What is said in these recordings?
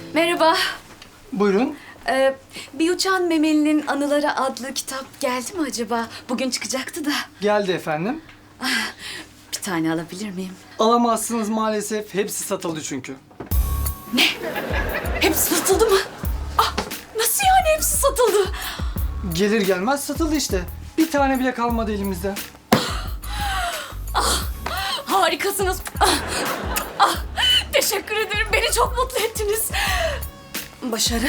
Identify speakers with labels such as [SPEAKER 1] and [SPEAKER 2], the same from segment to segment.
[SPEAKER 1] Merhaba.
[SPEAKER 2] Buyurun.
[SPEAKER 1] Bir Uçan Memeli'nin Anıları adlı kitap geldi mi acaba? Bugün çıkacaktı da.
[SPEAKER 2] Geldi efendim.
[SPEAKER 1] Bir tane alabilir miyim?
[SPEAKER 2] Alamazsınız maalesef. Hepsi satıldı çünkü.
[SPEAKER 1] Hepsi satıldı mı? Ah, nasıl yani hepsi satıldı?
[SPEAKER 2] Gelir gelmez satıldı işte. Bir tane bile kalmadı elimizde.
[SPEAKER 1] Harikasınız. Teşekkür ederim. Beni çok mutlu ettiniz. Başarı.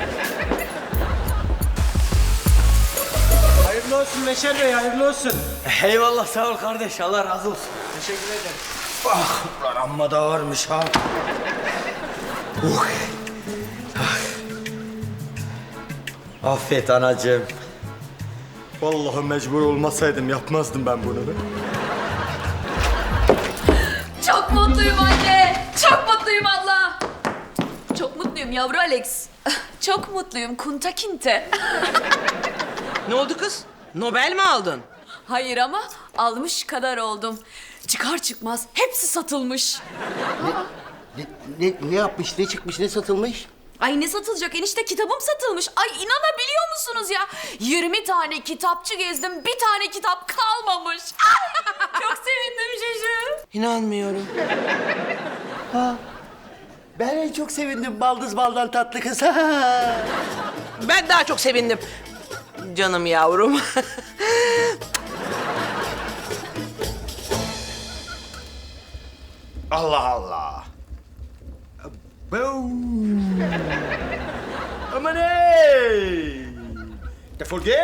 [SPEAKER 3] Hayırlı olsun Beşer Bey, hayırlı olsun.
[SPEAKER 4] Eyvallah sağ ol kardeş. Allah razı olsun.
[SPEAKER 3] Teşekkür ederim. Ah, lan amma da ağırmış ha. Affet anacığım. Vallahi mecbur olmasaydım yapmazdım ben bunu.
[SPEAKER 1] Çok mutluyum anne. Çok mutluyum Allah. Çok mutluyum yavru Alex. Çok mutluyum Kunta Kinte.
[SPEAKER 5] Ne oldu kız? Nobel mi aldın?
[SPEAKER 1] Hayır ama almış kadar oldum. Çıkar çıkmaz hepsi satılmış.
[SPEAKER 6] Ne yapmış, ne çıkmış, ne satılmış?
[SPEAKER 1] Ay ne satılacak enişte, kitabım satılmış. Ay inanabiliyor musunuz ya? 20 tane kitapçı gezdim, bir tane kitap kalmamış. Çok sevindim Şuşu.
[SPEAKER 5] İnanmıyorum.
[SPEAKER 6] Ben en çok sevindim baldız baldan tatlı kız.
[SPEAKER 5] Ben daha çok sevindim. Canım yavrum.
[SPEAKER 3] Allah Allah. Boom. Aman ey! Defol git!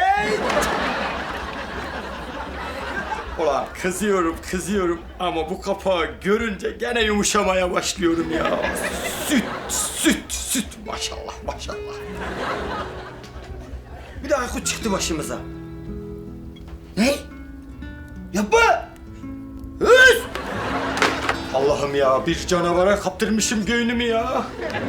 [SPEAKER 3] Ulan kızıyorum ama bu kapağı görünce gene yumuşamaya başlıyorum ya. Süt maşallah. Bir de Aykut çıktı başımıza.
[SPEAKER 6] Ne?
[SPEAKER 3] Yapma! Hız! Allah'ım ya, bir canavara kaptırmışım göğnümü ya.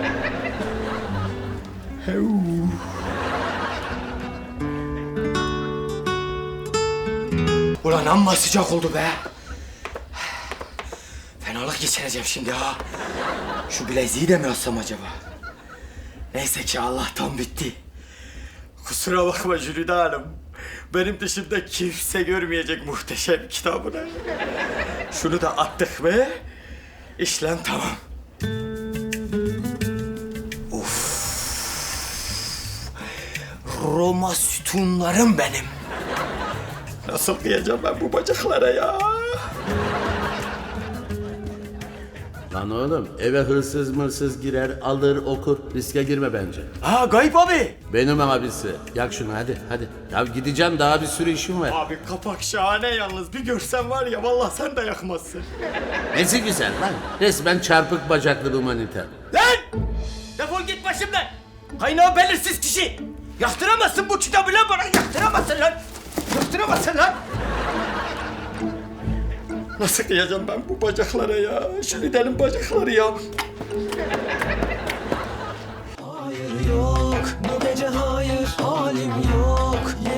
[SPEAKER 3] Ulan amma sıcak oldu be. Fenalık geçireceğim şimdi ha. Şu bileziği de mi alsam acaba? Neyse ki Allah'tan bitti. Kusura bakma Jülide Hanım. Benim dışımda kimse görmeyecek muhteşem kitabını. Şunu da attık mı? İşlem tamam. Of. Roma sütunlarım benim. Nasıl kıyacağım ben bu bacaklara ya?
[SPEAKER 7] Lan oğlum eve hırsız mırsız girer alır okur riske girme bence.
[SPEAKER 3] Ha Gayip abi.
[SPEAKER 7] Benim abisi. Yak şunu hadi. Ya gideceğim daha bir sürü işim var.
[SPEAKER 3] Abi kapak şahane yalnız. Bir görsen var ya vallahi sen de yakmazsın.
[SPEAKER 7] Nesi güzel lan. Resmen çarpık bacaklı humaniter.
[SPEAKER 3] Lan! Defol git başımdan. Kaynağı belirsiz kişi. Yaktıramazsın bu kitabı lan bana. Yaktıramazsın lan. Yaktıramazsın lan. Nasıl kıyacağım ben bu bacaklara ya? Şu lidenin bacakları ya.
[SPEAKER 8] Hayır yok, bu gece hayır, halim yok.